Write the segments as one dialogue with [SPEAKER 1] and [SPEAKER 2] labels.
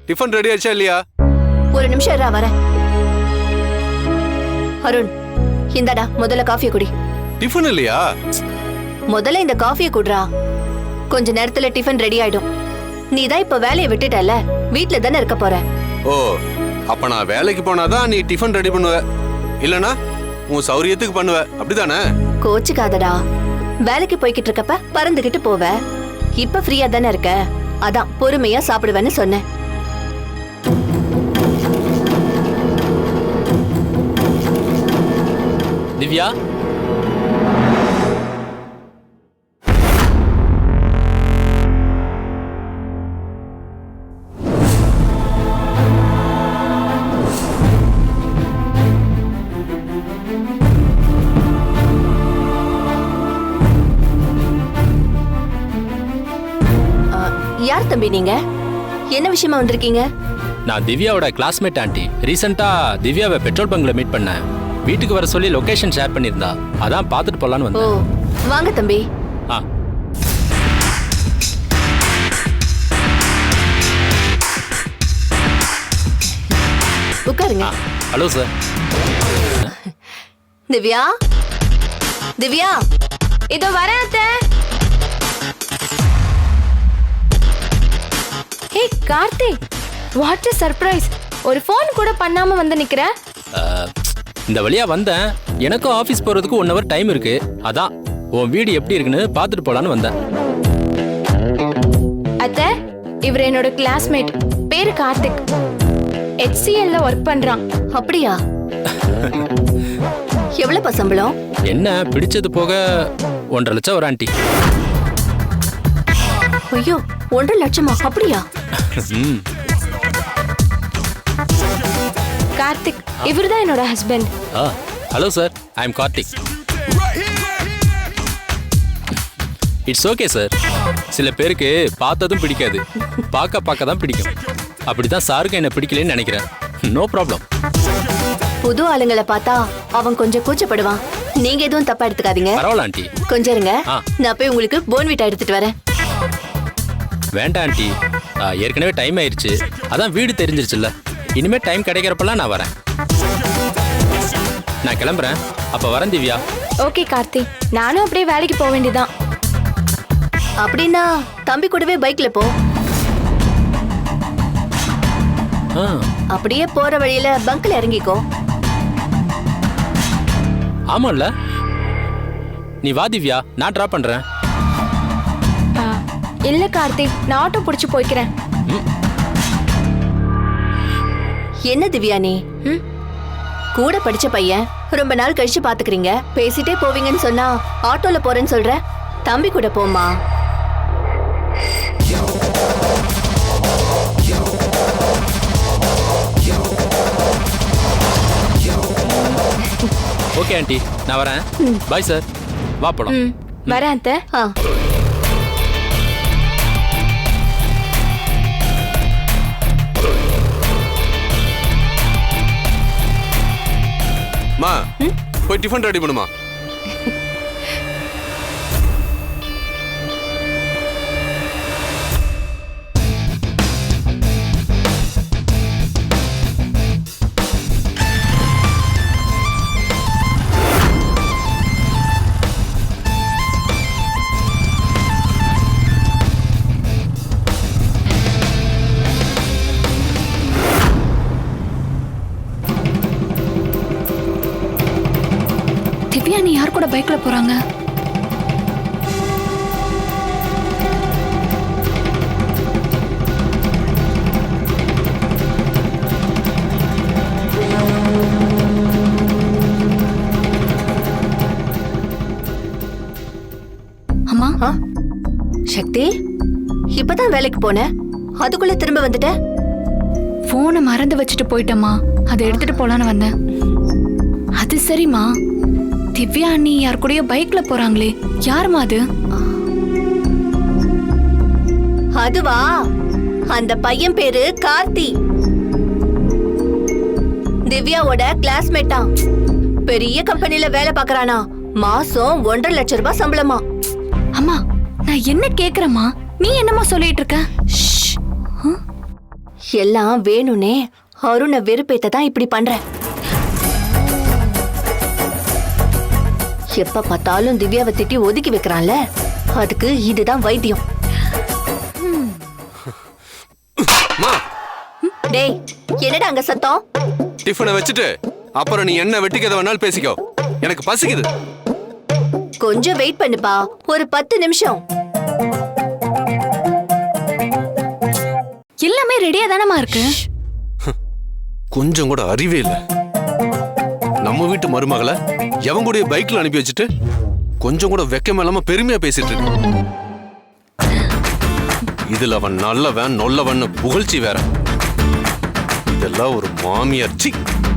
[SPEAKER 1] Tiffin ready ஆயிடுச்சா இல்லையா?
[SPEAKER 2] ஒரு நிமிஷம் இருடா, வரேன். அருண், இந்தடா முதல்ல காஃபியை குடி.
[SPEAKER 1] டிஃபன் இல்லையா?
[SPEAKER 2] முதல்ல இந்த காஃபியை குடுறா. கொஞ்ச நேரத்துல டிஃபன் ரெடி ஆயிடும். நீ தான் இப்ப வேலையை விட்டுட்டல, வீட்ல தானே இருக்க போற.
[SPEAKER 1] ஓ, அப்ப நான் வேலைக்கு போனாதான் நீ டிஃபன் ரெடி பண்ணுவ, இல்லனா உன் சௌரியத்துக்கு பண்ணுவ, அப்படிதானே?
[SPEAKER 2] கோச்சுக்காதடா. வேலைக்கு போய்கிட்டு இருக்கப்ப பறந்துகிட்டு போவ. இப்ப ஃப்ரீயா தானே இருக்க, அதான் பொறுமையா சாப்பிடுவேன்னு சொன்னேன்.
[SPEAKER 3] திவ்யா,
[SPEAKER 2] யார் தம்பி நீங்க? என்ன விஷயமா வந்திருக்கீங்க?
[SPEAKER 3] நான் திவ்யாவோட கிளாஸ்மேட் ஆண்டி. ரீசெண்டா திவ்யாவை பெட்ரோல் பங்க்ல மீட் பண்ணேன். வீட்டுக்கு வர சொல்லி லொகேஷன் ஷேர் பண்ணியிருந்தா, அதான் பார்த்துட்டு போலான்னு
[SPEAKER 2] ஓ,
[SPEAKER 3] வந்தேன்.
[SPEAKER 2] வாங்க தம்பி.
[SPEAKER 3] ஆ,
[SPEAKER 2] உட்காருங்க.
[SPEAKER 3] Hello sir.
[SPEAKER 2] திவ்யா, திவ்யா,
[SPEAKER 4] இதோ வரேன் அத்தை. Hey Karthik, what a surprise. ஒரு ஃபோன் கூட பண்ணாம வந்து நிக்கிற.
[SPEAKER 3] இந்த வழியா வந்தேன். எனக்கும் ஆபீஸ் போறதுக்கு 1 hour டைம் இருக்கு. அதான் உன் வீடு எப்படி இருக்குன்னு பார்த்துட்டு போலான்னு வந்தேன்.
[SPEAKER 4] அத்தை, இவர் என்னோட கிளாஸ்மேட். பேரு கார்த்திக். HCL ஒர்க் பண்றான்.
[SPEAKER 2] அப்படியா? எவ்வளவு சம்பளம்?
[SPEAKER 3] என்ன பிடிச்சது போக 1.5 லட்சம் ஒரு ஆண்டி.
[SPEAKER 2] ஐயோ, 1.5 லட்சமா? அப்படியா?
[SPEAKER 3] ம்,
[SPEAKER 4] கார்த்திக், இவர்தான் என்னோட husband.
[SPEAKER 3] Hello sir, I am Karthik. It's okay sir. சில பேருக்கு பார்த்ததும் பிடிக்காது, பார்க்க தான் பிடிக்கும். அப்படிதான் சாருக்கு என்ன பிடிக்கலன்னு நினைக்கிறேன். No problem.
[SPEAKER 2] புது ஆளுங்களை பார்த்தா அவன் கொஞ்சம் கூச்சப்படுவான். நீங்க எதுவும் தப்பா எடுத்துக்காதீங்க.
[SPEAKER 3] பரவாயில்ல ஆண்டி.
[SPEAKER 2] கொஞ்சம் இருங்க,
[SPEAKER 3] ஆ.
[SPEAKER 2] நான் போய் உங்களுக்கு போன்விட்டா எடுத்துட்டு வரேன்.
[SPEAKER 3] வேண்டாம் ஆண்டி, ஏற்கனவே டைம் ஆயிடுச்சு. அதான் வீடு தெரிஞ்சிருச்சுல்ல. இனிமே டைம் கிடைக்கிறப்பெல்லாம் நான் வரேன். நான் கிளம்புறேன். அப்ப வரேன் திவ்யா.
[SPEAKER 4] ஓகே கார்த்திக், நானும் அப்படியே வேலைக்கு போக வேண்டியதான்.
[SPEAKER 2] அப்படின்னா தம்பி கூடவே பைக்ல போ.
[SPEAKER 3] ஆ,
[SPEAKER 2] அப்படியே போற வழியில பங்க்ல இறங்கிக்கோ.
[SPEAKER 3] ஆமாம்ல. நீ வா திவ்யா, நான் டிராப் பண்றேன்.
[SPEAKER 4] இல்ல கார்த்திக், நான் ஆட்டோ பிடிச்சு போய்க்கிறேன்.
[SPEAKER 2] என்ன திவ்யா நீ? கூட படிச்ச பையன், ரொம்ப நாள் கழிச்சு பாத்துக்கிறீங்க, பேசிட்டே போவீங்கன்னு சொன்னா ஆட்டோல போறேன்னு சொல்ற. தம்பி கூட போமா.
[SPEAKER 3] ஓகே ஆண்டி, நான் வரேன். பாய் சார், வா போலாம்.
[SPEAKER 4] வரேன் அத்தை.
[SPEAKER 2] ஆ.
[SPEAKER 1] மா, போய் டிஃபன் ரெடி பண்ணுமா.
[SPEAKER 4] திவ்யா, நீ யார் கூட பைக்ல போறாங்க? அம்மா.
[SPEAKER 2] சக்தி, இப்பதான் வேலைக்கு போன, அதுக்குள்ள திரும்ப வந்துட்ட?
[SPEAKER 4] போனை மறந்து வச்சுட்டு போயிட்டம்மா, அதை எடுத்துட்டு போலான்னு வந்தேன். அது சரிம்மா, திவ்யா அண்ணி யார் கூடயோ பைக்ல போறாங்களே, யாருமா அது?
[SPEAKER 2] அதுவா, அந்த பையன் பேரு கார்த்தி. திவ்யாவோட கிளாஸ்மேட்டா. பெரிய கம்பெனில வேலை பாக்குறானா. மாசம் 1.5 லட்சம் ரூபாய் சம்பளமா.
[SPEAKER 4] அம்மா, நான் என்ன கேக்குறேம்மா, நீ என்னமா சொல்லிட்டு இருக்க?
[SPEAKER 2] எல்லாம் வேணும்னே அருணை வெறுப்பேத்த தான் இப்படி பண்ற. எப்ப பார்த்தாலும் திவ்யாவை திட்டி ஒதுக்கி வைக்கிறான்ல, அதுக்கு இதுதான் வைத்தியம்.
[SPEAKER 1] அம்மா,
[SPEAKER 2] டேய், என்னடா அங்க சத்தம்?
[SPEAKER 1] டிஃபனை வச்சுட்டு அப்புறம் நீ என்ன வெட்டிக்கதை வேணாலும் பேசிக்கோ. எனக்கு பசிக்குது.
[SPEAKER 2] கொஞ்சம் வெயிட் பண்ணுப்பா, ஒரு 10 நிமிஷம்.
[SPEAKER 4] எல்லாமே ரெடியா தானமா இருக்கு.
[SPEAKER 1] கொஞ்சம் கூட அறிவே இல்ல. நம்ம வீட்டு மருமகளை எவன் கூட பைக்ல அனுப்பி வச்சுட்டு கொஞ்சம் கூட வெக்கமே இல்லாம பெருமையா பேசிட்டு இருக்கு. இதுல அவன் நல்லவன் நொல்லவன் புகழ்ச்சி வேற. இதெல்லாம் ஒரு மாமியார். சி,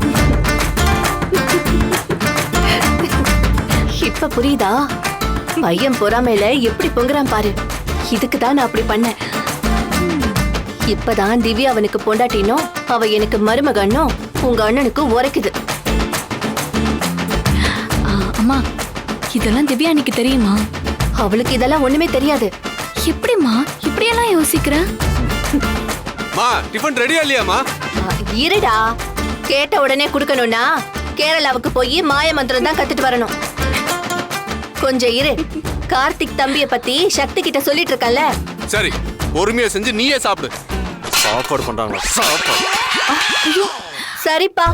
[SPEAKER 2] இப்ப புரியுதா? பையன் பொறாமையில எப்படி பொங்குறான் பாரு. இதுக்கு தான் நான் அப்படி பண்ணேன். இப்பதான் திவ்யா அவனுக்கு பொண்டாட்டினோ, அவ எனக்கு மருமகன்னோ உங்க அண்ணனுக்கு உரைக்குது.
[SPEAKER 4] அம்மா, இதெல்லாம் திவ்யா அன்னைக்கு தெரியுமா?
[SPEAKER 2] அவளுக்கு இதெல்லாம் ஒண்ணுமே தெரியாது.
[SPEAKER 4] எப்படிம்மா இப்படியெல்லாம் யோசிக்கிற?
[SPEAKER 1] மா, டிஃபன் ரெடியா இல்லையாமா?
[SPEAKER 2] இருடா, கேட்ட உடனே குடுக்கணும்னா கேரளாவுக்கு போய் மாய மந்திரம் தான் கத்துட்டு வரணும். கொஞ்சம் இரு, கார்த்திக் தம்பிய பத்தி சக்தி கிட்ட சொல்லிட்டு இருக்கல.
[SPEAKER 1] சரி, பொறுமையா செஞ்சு நீயே சாப்பிடு. சாப்பாடு பண்றாங்களா? சாப்பாடு.
[SPEAKER 2] சரிப்பா.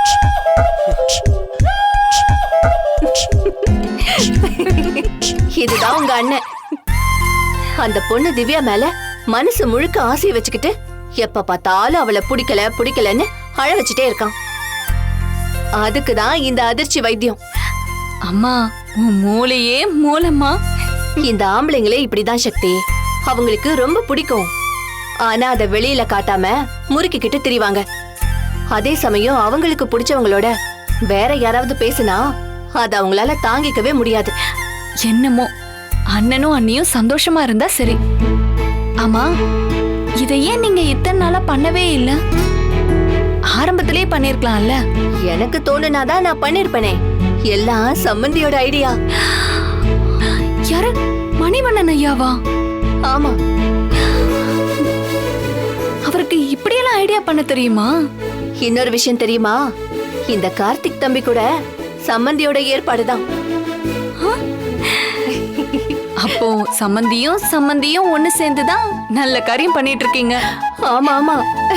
[SPEAKER 2] இதுதான் உங்க அண்ணன். அந்த பொண்ணு திவ்யா மேல மனசு முழுக்க ஆசையை வச்சுக்கிட்டு எப்ப பார்த்தாலும் அவளை பிடிக்கலன்னு அழ வச்சுட்டே இருக்கான். அதுக்குதான் இந்த அதிர்ச்சி வைத்தியம்.
[SPEAKER 4] அம்மா, உன் மூளையே மூலம்மா.
[SPEAKER 2] இந்த ஆம்பளைங்களே இப்படிதான் சக்தி. அவங்களுக்கு ரொம்ப பிடிக்கும், ஆனா அதை வெளியில காட்டாம முறுக்கிக்கிட்டு திரிவாங்க. அதே சமயம் அவங்களுக்கு பிடிச்சவங்களோட வேற யாராவது பேசினா அது அவங்களால தாங்கிக்கவே முடியாது.
[SPEAKER 4] என்னமோ அண்ணனும் அண்ணியும் சந்தோஷமா இருந்தா சரி. ஆமா, இதை ஏன் நீங்க இத்தனை நாளா பண்ணவே இல்ல? ஆரம்பத்திலே பண்ணிருக்கலாம்ல.
[SPEAKER 2] எனக்கு தோணுனாதான் நான் பண்ணிருப்பேனே. எல்லாம் சம்மந்தியோட ஐடியா.
[SPEAKER 4] யாரு? மணிவண்ணன் ஐயாவா?
[SPEAKER 2] ஆமா,
[SPEAKER 4] அவருக்கு இப்படியெல்லாம் ஐடியா பண்ண தெரியுமா?
[SPEAKER 2] இன்னொரு விஷயம் தெரியுமா? இந்த கார்த்திக் தம்பி கூட சம்மந்தியோட ஏற்பாடுதான்.
[SPEAKER 4] அப்போ சம்மந்தியும் ஒண்ணு சேர்ந்துதான் நல்ல காரியம் பண்ணிட்டு இருக்கீங்க.
[SPEAKER 2] ஆமா ஆமா.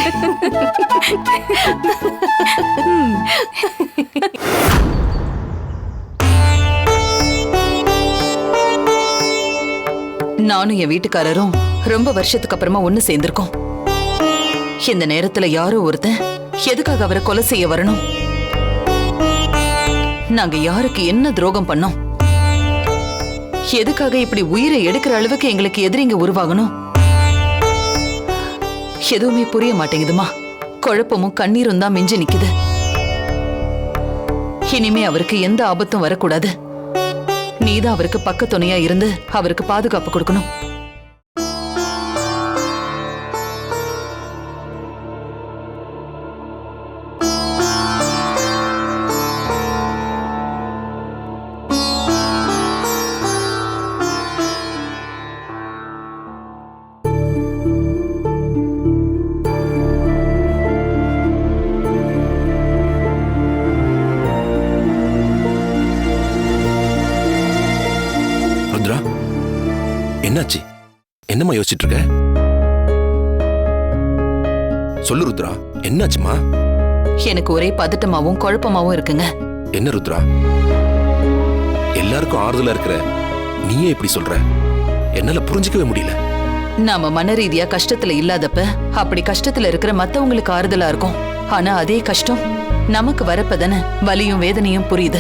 [SPEAKER 5] நானும் என் வீட்டுக்காரரும் ரொம்ப வருஷத்துக்கு அப்புறமா ஒண்ணு சேர்ந்திருக்கோம். இந்த நேரத்துல யாரோ ஒருத்தன் எதுக்காக அவரை கொலை செய்ய வரணும்? நாங்க யாருக்கு என்ன துரோகம் பண்ணோம்? எதுக்காக இப்படி உயிரை எடுக்கிற அளவுக்கு எங்களுக்கு எதிரிங்க உருவாகணும்? எதுவுமே புரிய மாட்டேங்குதுமா. குழப்பமும் கண்ணீரும் தான் மிஞ்சி நிக்குது. இனிமே அவருக்கு எந்த ஆபத்தும் வரக்கூடாது. நீதான் அவருக்கு பக்கத்துணையா இருந்து அவருக்கு பாதுகாப்பு கொடுக்கணும்.
[SPEAKER 6] ருத்ரா, என்னாச்சு? என்னம்மா யோசிச்சுட்டு இருக்க? சொல்லு ருத்ரா, என்னாச்சுமா?
[SPEAKER 5] எனக்கு ஒரே பதட்டமாவும் குழப்பமாவும் இருக்குங்க.
[SPEAKER 6] என்ன ருத்ரா, எல்லாருக்கும் ஆறுதலா இருக்கிற நீயே இப்படி சொல்ற? என்னால புரிஞ்சுக்கவே முடியல.
[SPEAKER 5] நாம மன ரீதியா கஷ்டத்துல இல்லாதப்ப அப்படி கஷ்டத்துல இருக்கிற மத்தவங்களுக்கு ஆறுதலா இருக்கும். ஆனா அதே கஷ்டம் நமக்கு வரப்பதானே வலியும் வேதனையும் புரியுது.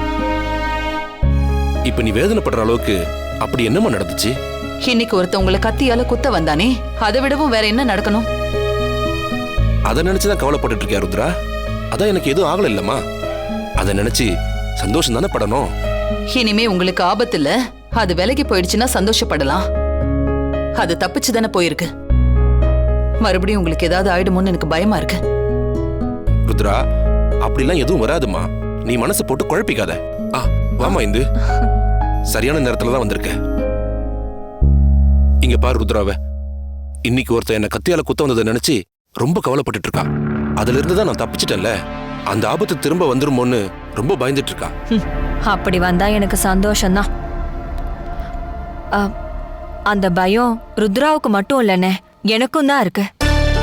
[SPEAKER 6] இப்ப நீ வேதனைப்படுற அளவுக்கு அப்படி என்னம்மா நடந்துச்சு?
[SPEAKER 5] இன்னைக்கு ஒருத்தவங்களை கத்தியால குத்த வந்தானே, அதை விடவும் வேற என்ன நடக்கணும்?
[SPEAKER 6] அதை நினைச்சுதான் கவலைப்பட்டுட்டு இருக்கியா ருத்ரா? அதான் எனக்கு எதுவும் ஆகல இல்லம்மா. அதை நினைச்சு சந்தோஷம் தானே படணும்.
[SPEAKER 5] இனிமே உங்களுக்கு ஆபத்து இல்ல, அது விலகி போயிடுச்சுன்னா சந்தோஷப்படலாம். அது தப்பிச்சு தானே போயிருக்கு. மறுபடியும் உங்களுக்கு ஏதாவது ஆயிடுமோன்னு எனக்கு பயமா இருக்கு.
[SPEAKER 6] ருத்ரா, அப்படிலாம் எதுவும் வராதுமா. நீ மனசை போட்டு குழப்பிக்காத. வாமா, இந்து சரியான நேரத்துல தான் வந்திருக்க. இங்க பாரு ருத்ராவ, இன்னைக்கு ஒருத்தன் என்ன கத்தியால குத்த வந்ததை நினைச்சு ரொம்ப கவலைப்பட்டுட்டு இருக்கா. அதுல இருந்து தான் நான் தப்பிச்சிட்டேன்ல, அந்த ஆபத்து திரும்ப வந்துருமோன்னு ரொம்ப பயந்துட்டு இருக்கா.
[SPEAKER 7] அப்படி வந்தா எனக்கு சந்தோஷம்தான். அந்த பயம் ருத்ராவுக்கு மட்டும் இல்லைண்ணே, எனக்கும் தான் இருக்கு.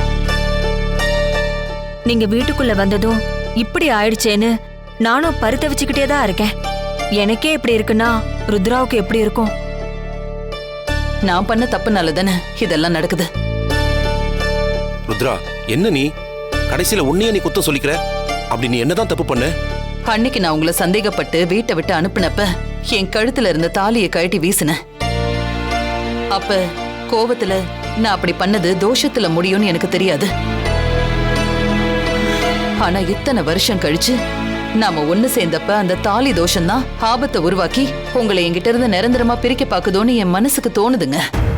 [SPEAKER 7] நீங்க வீட்டுக்குள்ள வந்ததும் இப்படி ஆயிடுச்சேன்னு நானும் பரிதவிச்சுக்கிட்டே தான் இருக்கேன். எனக்கே இப்படி இருக்குன்னா ருத்ராவுக்கு எப்படி இருக்கும்?
[SPEAKER 5] நான் பண்ண தப்புனால தானே இதெல்லாம் நடக்குது.
[SPEAKER 6] ருத்ரா, என்ன நீ கடைசியில உன்னையே நீ குத்தம் சொல்லிக்கிற? அப்படி நீ என்னதான் தப்பு பண்ண?
[SPEAKER 5] அன்னைக்கு நான் உங்களை சந்தேகப்பட்டு வீட்டை விட்டு அனுப்புனப்ப என் கழுத்துல இருந்த தாலியை கழட்டி வீசினேன். அப்ப கோபத்துல நான் அப்படி பண்ணது தோஷத்துல முடியும்னு எனக்கு தெரியாது. ஆனா இத்தனை வருஷம் கழிச்சு நாம ஒண்ணு சேர்ந்தப்ப அந்த தாலி தோஷம்தான் ஆபத்தை உருவாக்கி உங்களை என்கிட்ட இருந்து நிரந்தரமா பிரிக்க பாக்குதோன்னு என் மனசுக்கு தோணுதுங்க.